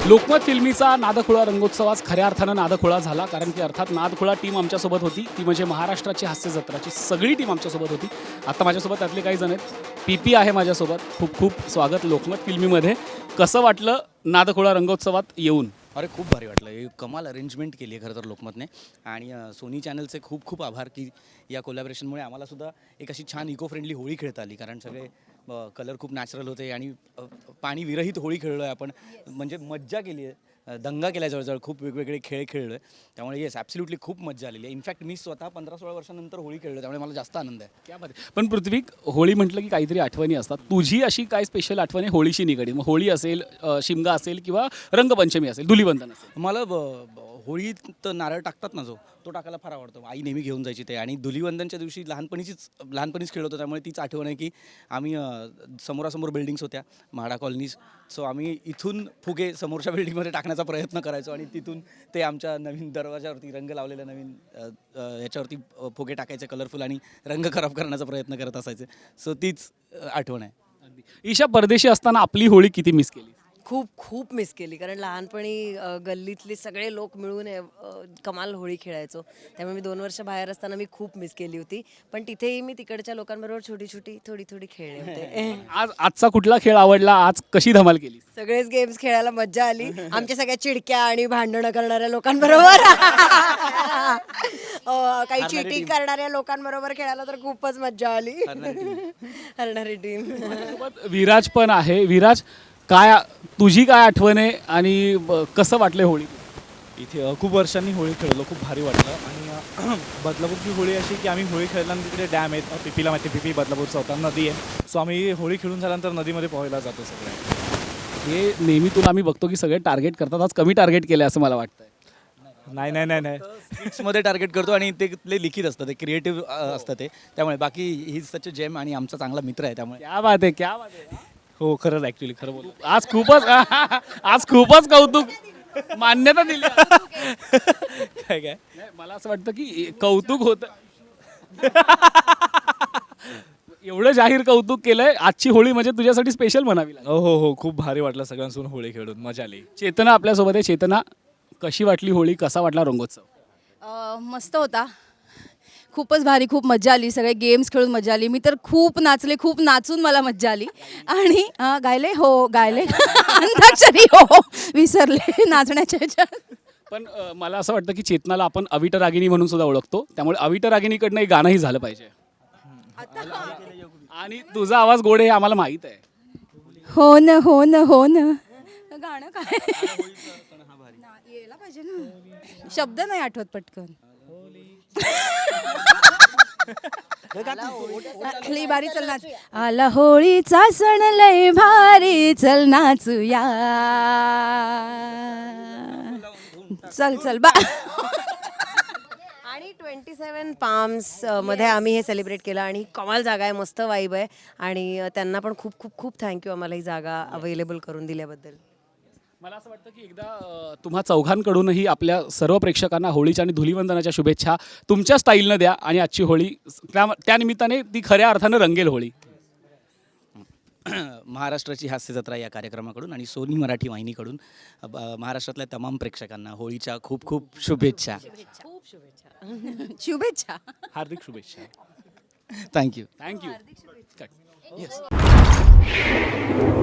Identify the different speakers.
Speaker 1: लोकमत फिल्मीचा नादखुळा रंगोत्सव आज खऱ्या अर्थानं नादखुळा झाला, कारण की अर्थात नादखुळा टीम आमच्यासोबत होती. ती म्हणजे महाराष्ट्राची हास्य जत्राची सगळी टीम आमच्यासोबत होती. आता माझ्यासोबत त्यातले काही जण आहेत. PP आहे माझ्यासोबत. खूप खूप स्वागत लोकमत फिल्मीमध्ये. कसं वाटलं नादखुळा रंगोत्सवात येऊन?
Speaker 2: अरे खूप भारी वाटलं. हे कमाल अरेंजमेंट केली आहे खरं तर लोकमतने. आणि सोनी चॅनलचे खूप खूप आभार की या कोलॅबरेशनमुळे आम्हालासुद्धा एक अशी छान इको फ्रेंडली होळी खेळता आली. कारण सगळे कलर खूप नॅचरल होते आणि पाणी विरहित होळी खेळलो आहे आपण. म्हणजे मज्जा केली आहे, दंगा केला जवळजवळ, खूप वेगवेगळे खेळ खेळलो आहे. त्यामुळे येस ॲब्सल्युटली खूप मज्जा आलेली आहे. इनफॅक्ट मी स्वतः 15-16 वर्षानंतर होळी खेळलो, त्यामुळे मला जास्त आनंद आहे.
Speaker 1: त्यामध्ये पण पृथ्वी, होळी म्हटलं की काहीतरी आठवणी असतात. तुझी अशी काय स्पेशल आठवण आहे होळीशी निगडीत? मग होळी असेल, शिमगा असेल किंवा रंगपंचमी असेल, धुलीवंदन असेल.
Speaker 2: मला होळीत नारळ टाकतात ना, तो टाकायला फार आवडतो. आई नेहमी घेऊन जायची ते. आणि धुलीवंदनच्या दिवशी लहानपणीच खेळत होतो. त्यामुळे तीच आठवण आहे की आम्ही समोरासमोर बिल्डिंग्स होत्या, म्हाडा कॉलनीज. सो आम्ही इथून फुगे समोरच्या बिल्डिंगमध्ये टाकण्याचा प्रयत्न करायचो आणि तिथून ते आमच्या नवीन दरवाजावरती, रंग लावलेल्या नवीन याच्यावरती फुगे टाकायचे कलरफुल आणि रंग खराब करण्याचा प्रयत्न करत असायचे. सो तीच आठवण आहे.
Speaker 1: ईशा, परदेशी असताना आपली होळी किती मिस केली?
Speaker 3: खूप खूप मिस केली, कारण लहानपणी गल्लीतले सगळे लोक मिळून कमाल होळी खेळायचो. त्यामुळे मी 2 वर्ष बाहेर असताना मी खूप मिस केली होती. पण तिथेही मी तिकडच्या लोकांबरोबर छोटी छोटी थोडी थोडी खेळले होते.
Speaker 1: आजचा कुठला खेळ आवडला? आज कशी धमाल केली?
Speaker 3: सगळेच गेम्स खेळायला मज्जा आली. आमच्या सगळ्या चिडक्या आणि भांडणं करणाऱ्या लोकांबरोबर काही चिटिंग करणाऱ्या लोकांबरोबर खेळायला तर खूपच मज्जा आली. हरणारी टीम.
Speaker 1: विराज पण आहे. विराज, काय तुझी काय आठवण आहे आणि कसं वाटलं होळी?
Speaker 4: इथे खूप वर्षांनी होळी खेळलो, खूप भारी वाटलं. आणि बदलापूरची होळी अशी की आम्ही होळी खेळल्यानंतर तिकडे डॅम आहेत, पिपीला माहिती, पिपी बदलापूरचा होता, नदी आहे. सो आम्ही होळी खेळून झाल्यानंतर नदीमध्ये पोहायला जातो सगळे.
Speaker 1: हे नेहमी तुला आम्ही बघतो की सगळे टार्गेट करतात, आज कमी टार्गेट केलं असं मला वाटतंय.
Speaker 4: नाही नाही नाही नाही
Speaker 2: स्किट्समध्ये टार्गेट करतो आणि ते लिखित असतं, ते क्रिएटिव्ह असतं ते. त्यामुळे बाकी ही सच जेम आणि आमचा चांगला मित्र आहे. त्यामुळे
Speaker 1: क्या बात आहे, क्या बात आहे.
Speaker 4: हो, खरंच ॲक्च्युली खरं बोल.
Speaker 1: आज खूपच कौतुक, मान्यता दिली.
Speaker 4: काय काय
Speaker 1: मला असं वाटतं की कौतुक होतं. एवढं जाहीर कौतुक केलंय. आजची होळी म्हणजे तुझ्यासाठी स्पेशल म्हणावी लागेल.
Speaker 4: हो हो हो, खूप भारी वाटलं सगळ्यांसोबत होळी खेळून, मजा आली.
Speaker 1: चेतना आपल्यासोबत आहे. चेतना, कशी वाटली होळी? कसा वाटला रंगोत्सव?
Speaker 5: मस्त होता, खूपच भारी, खूप मजा आली. सगळे गेम्स खेळून मजा आली. मी तर खूप नाचले, खूप नाचून मला मजा आली. आणि गायले, हो गायले, अंताक्षरी हो विसरले नाचण्याच्या ह्याच्यात.
Speaker 1: पण मला असं वाटतं की चेतनाला आपण अविट रागिनी म्हणून सुद्धा ओळखतो. त्यामुळे अविट रागिनीकडनं एक गाणंही झालं पाहिजे. आणि तुझा आवाज गोड आहे हे आम्हाला माहीत आहे.
Speaker 5: हो न हो न हो न, गाणं काय यायला पाहिजे ना, शब्द नाही आठवत पटकन. लई भारी, चल नाच. आला होळीचा सण लय भारी, चल नाचूया, चल चल बा.
Speaker 3: आणि 27 पाम्स मध्ये आम्ही हे सेलिब्रेट केलं आणि कमाल जागा आहे, मस्त वाईब आहे. आणि त्यांना पण खूप खूप खूप थँक्यू आम्हाला ही जागा अवेलेबल करून दिल्याबद्दल.
Speaker 1: मला असं वाटतं की एकदा तुम्हा चौघांकडूनही आपल्या सर्व प्रेक्षकांना होळीच्या आणि धुलीवंदनाच्या शुभेच्छा तुमच्या स्टाईलनं द्या. आणि आजची होळी त्या निमित्ताने ती खऱ्या अर्थानं रंगेल होळी.
Speaker 2: महाराष्ट्राची हास्य जत्रा या कार्यक्रमाकडून आणि सोनी मराठी वाहिनीकडून महाराष्ट्रातल्या तमाम प्रेक्षकांना होळीच्या खूप खूप शुभेच्छा.
Speaker 3: खूप शुभेच्छा.
Speaker 5: शुभेच्छा.
Speaker 4: हार्दिक शुभेच्छा.
Speaker 2: थँक्यू.
Speaker 1: थँक्यू.